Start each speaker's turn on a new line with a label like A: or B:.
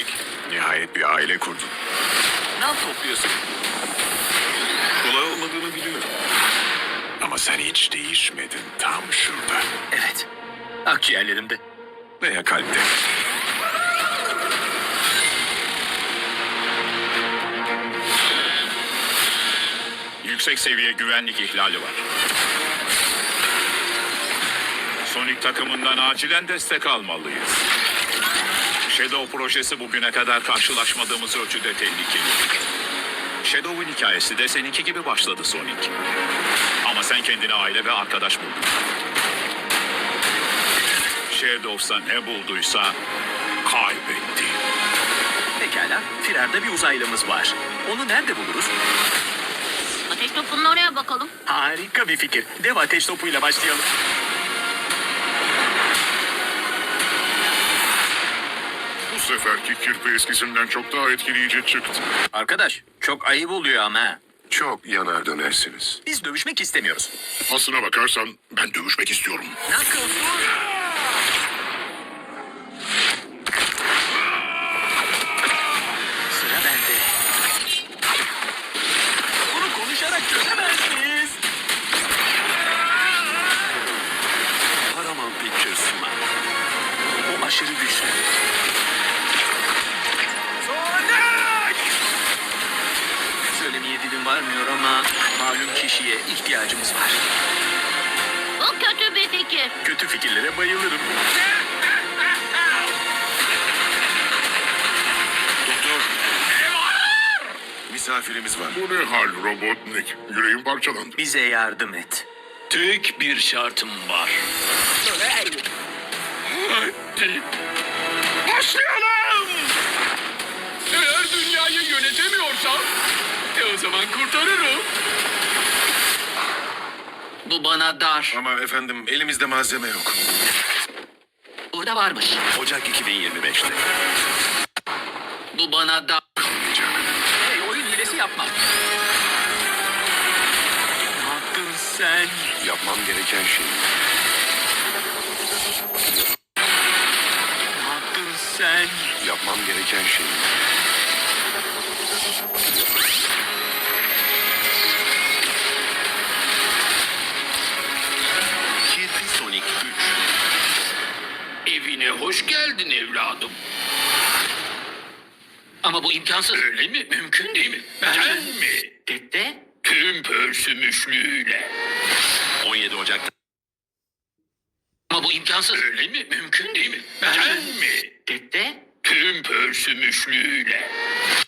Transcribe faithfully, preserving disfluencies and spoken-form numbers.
A: Nihayet bir aile kurdun.
B: Ne topluyorsun?
A: Kolay olmadığını biliyorum. Ama sen hiç değişmedin, tam şurada.
B: Evet. Akciğerlerimde.
A: Veya kalpte.
C: Yüksek seviye güvenlik ihlali var. Sonic takımından acilen destek almalıyız. Shadow projesi bugüne kadar karşılaşmadığımız ölçüde tehlikeli. Shadow'un hikayesi de seninki gibi başladı Sonic. Ama sen kendine aile ve arkadaş buldun. Shadow'sa ne bulduysa kaybetti.
B: Pekala. Firarda bir uzaylımız var. Onu nerede buluruz?
D: Ateş topunun oraya bakalım.
B: Harika bir fikir. Dev ateş topuyla başlayalım.
E: Bu seferki kirpi eskisinden çok daha etkileyici çıktı.
B: Arkadaş, çok ayıp oluyor ama. ha.
A: Çok yanar dönersiniz.
B: Biz dövüşmek istemiyoruz.
E: Aslına bakarsan ben dövüşmek istiyorum.
B: Knuckles dur. Sıra bende. Bunu konuşarak çözemez miyiz?
A: Paramount Pictures sunar.
B: O aşırı güçlü. Sonic! Söylemeye dilim varmıyor ama malum kişiye ihtiyacımız var.
D: Bu kötü bir fikir.
B: Kötü fikirlere bayılırım.
A: Doktor. Misafirimiz var.
E: Bu ne hal Robotnik? Yüreğim parçalandı.
B: Bize yardım et.
C: Tek bir şartım var. Hadi. Başlayalım! Eğer dünyayı yönetemiyorsam, e o zaman kurtarırım.
B: Bu bana dar.
A: Ama efendim elimizde malzeme yok.
B: Burada varmış.
A: Ocak iki bin yirmi beşte.
B: Bu bana dar.
A: Olmayacak.
B: Hey, oyun hilesi yapma. Ne yaptın sen?
A: Yapmam gereken şey.
B: Ne yaptın sen?
A: Yapmam gereken şey. Kirpi Sonic üç.
C: Evine hoş geldin evladım.
B: Ama bu imkansız.
C: Öyle mi? Mümkün değil mi? Ben mi?
B: Dede?
C: Tüm pörsümüşlüğüyle.
A: on yedi Ocak'ta.
B: Ama bu imkansız.
C: Öyle mi? Mümkün değil mi? Ben mi?
B: Dede?
C: Tüm pörsümüşlüğüyle.